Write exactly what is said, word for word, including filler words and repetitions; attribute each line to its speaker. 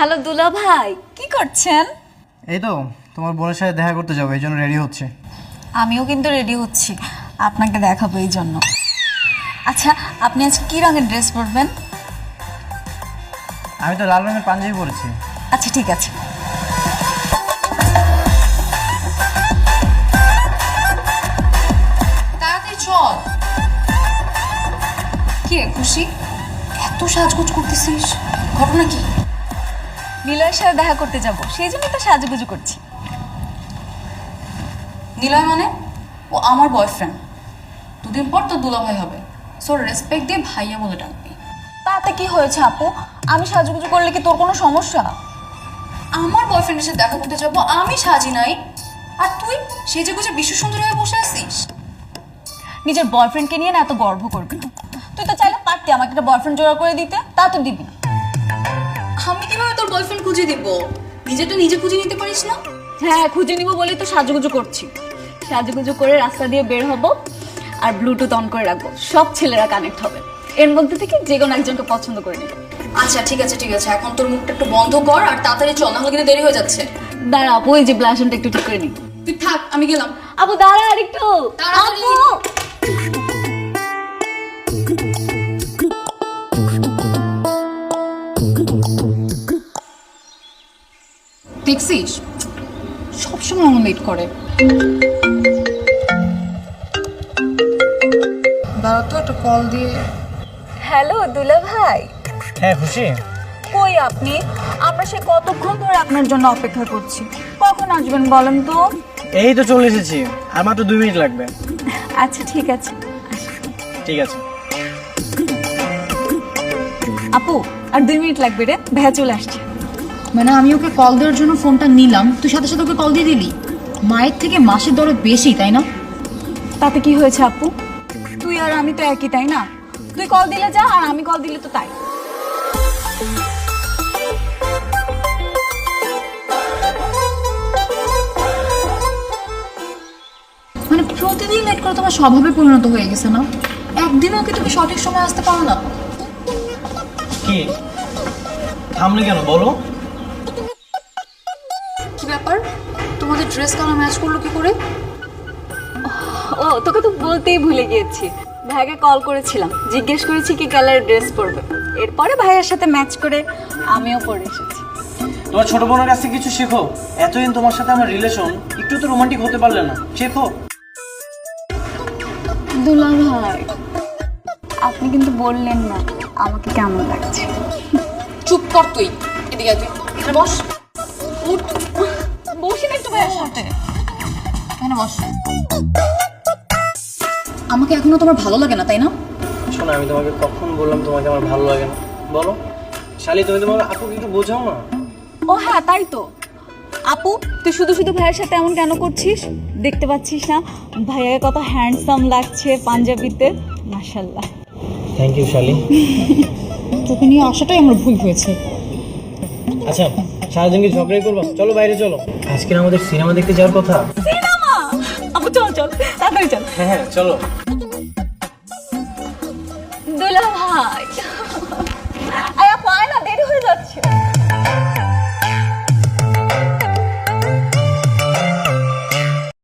Speaker 1: Hello দুলা ভাই, কি করছেন?
Speaker 2: এই তো তোমার বোনের সাথে দেখা করতে যাবো, এই জন্য রেডি হচ্ছে।
Speaker 1: আমিও কিন্তু রেডি হচ্ছি, আপনাকে দেখাবো এই জন্য। আচ্ছা, আপনি আজকে কি রঙের ড্রেস পরবেন?
Speaker 2: আমি তো লাল রঙের পাঞ্জাবি পরেছি।
Speaker 1: আচ্ছা ঠিক আছে।
Speaker 3: তাড়াতাড়ি চল। কি রে খুশি, এত সাজগোজ করতেছিস, ঘটনা কি?
Speaker 1: নিলয়ের সাথে দেখা করতে যাব, সেই জন্য তো সাজুগুজু করছি।
Speaker 3: নিলয় মানে? ও আমার বয়ফ্রেন্ড, দুদিন পর তো দুলাভাই হবে, সো রেসপেক্ট দিয়ে ভাইয়া বলে ডাকবি।
Speaker 1: তাতে কি হয়েছে আপু? আমি সাজুগুজু করলে কি তোর কোনো সমস্যা?
Speaker 3: আমার বয়ফ্রেন্ডের সাথে দেখা করতে যাবো, আমি সাজি নাই, আর তুই সেজে গুজে বিশ্ব সুন্দর হয়ে বসে আছিস।
Speaker 1: নিজের বয়ফ্রেন্ডকে নিয়ে না এত গর্ব করবি না। তুই তো চাইলে পারতি আমাকে একটা বয়ফ্রেন্ড জোড়া করে দিতে, তা তো দিবি না।
Speaker 3: আমি কিভাবে তোর বয়ফ্রেন্ড খুঁজে দিব? নিজেটা নিজে খুঁজে নিতে পারিস না?
Speaker 1: হ্যাঁ, খুঁজে নিব বলেই তো সাজুগুজু করছি। সাজুগুজু করে রাস্তা দিয়ে বের হব আর ব্লুটুথ অন করে রাখবো, সব ছেলেরা কানেক্ট হবে। এর মধ্যে থেকে যে কোনো একজনকে পছন্দ করে নিব।
Speaker 3: আচ্ছা ঠিক আছে ঠিক আছে, এখন তোর মুখটা একটু বন্ধ কর আর তাড়াতাড়ি চল, নাহলে কিন্তু দেরি হয়ে যাচ্ছে।
Speaker 1: দাঁড়া আপু, এই যে ব্লাশনটা একটু ঠিক করে নিই।
Speaker 3: তুই থাক, আমি গেলাম।
Speaker 1: আপু দাঁড়া আর একটু।
Speaker 3: তাড়াতাড়ি।
Speaker 1: আপু
Speaker 3: দেখছিস, সবসময় আমার লেট করে। দাঁড়া তো, একটা কল দিয়ে।
Speaker 1: হ্যালো দুলা ভাই।
Speaker 2: হ্যাঁ খুশি,
Speaker 1: কই আপনি? আমরা সে কতক্ষণ ধরে আপনার জন্য অপেক্ষা করছি, কখন আসবেন বলেন তো?
Speaker 2: এই তো চলে এসেছি, আর মাত্র দুই মিনিট লাগবে।
Speaker 1: আচ্ছা ঠিক আছে।
Speaker 2: ঠিক আছে।
Speaker 1: আপু আর দুই মিনিট লাগবে রে, ভাইয়া চলে আসছে।
Speaker 3: মানে আমি ওকে কল দেওয়ার জন্য ফোনটা নিলাম, তুই সাথে সাথে ওকে কল দিয়ে দিলি? মায়ের থেকে মাসের দরে বেশি, তাই না?
Speaker 1: তাতে কি হয়েছে আপু? তুই আর আমি তো একই, তাই না? তুই কল দিলে যা, আর আমি কল দিলে তো তাই।
Speaker 3: মানে প্রতিদিন লেট করে তোমার স্বভাবে পরিণত হয়ে গেছে না? একদিনও কি তুমি সঠিক সময় আসতে পারো না?
Speaker 2: কি থামলে কেন বলো?
Speaker 3: কি ব্যাপার, তোমাদের ড্রেস কালার ম্যাচ করলো কি করে?
Speaker 1: ও, তোকে তো বলতেই ভুলে গিয়েছি। ভাইয়াকে কল করেছিলাম, জিজ্ঞেস করেছি কি কালারের ড্রেস পরবে। এরপরে ভাইয়ের সাথে ম্যাচ করে আমিও পরে এসেছি।
Speaker 2: তোমার ছোট বোনের কাছ থেকে কিছু শেখো। এতদিন তোমার সাথে আমার রিলেশন, একটু তো রোমান্টিক হতে পারলে না, শেখো।
Speaker 1: দুলা ভাই, আপনি কিন্তু বললেন না আমাকে কেমন লাগছে।
Speaker 3: চুপ কর তুই, এদিকে আয়, তুই এখানে বস। উঠ,
Speaker 1: বসি না একটু ভাইয়ের সাথে।
Speaker 3: এখানে বস। আমাকে এখনো তোমার ভালো লাগে না, তাই না?
Speaker 2: শোনো, আমি তোমাকে কখন বললাম তোমাকে আমার ভালো লাগে না? বলো শালি, তুমি তোমার আপুকে একটু বোঝাও না।
Speaker 1: ও হ্যাঁ, তাই তো। আপু, তুই শুধু শুধু ভাইয়ের সাথে এমন কেন করছিস? দেখতে পাচ্ছিস না ভাইয়াকে কত হ্যান্ডসাম লাগছে পাঞ্জাবিতে? মাশাআল্লাহ।
Speaker 2: থ্যাংক ইউ শালি।
Speaker 3: তোকে নিয়ে আসাটাই আমার ভুল হয়েছে।
Speaker 2: আচ্ছা, সারাদিন কি ঝগড়াই করবো? চলো বাইরে চলো, আজকে আমাদের সিনেমা দেখতে যাওয়ার কথা।
Speaker 1: সিনেমা? আপু চল চল, তাড়াতাড়ি চল।
Speaker 2: হ্যাঁ হ্যাঁ চলো।
Speaker 1: দুলা ভাই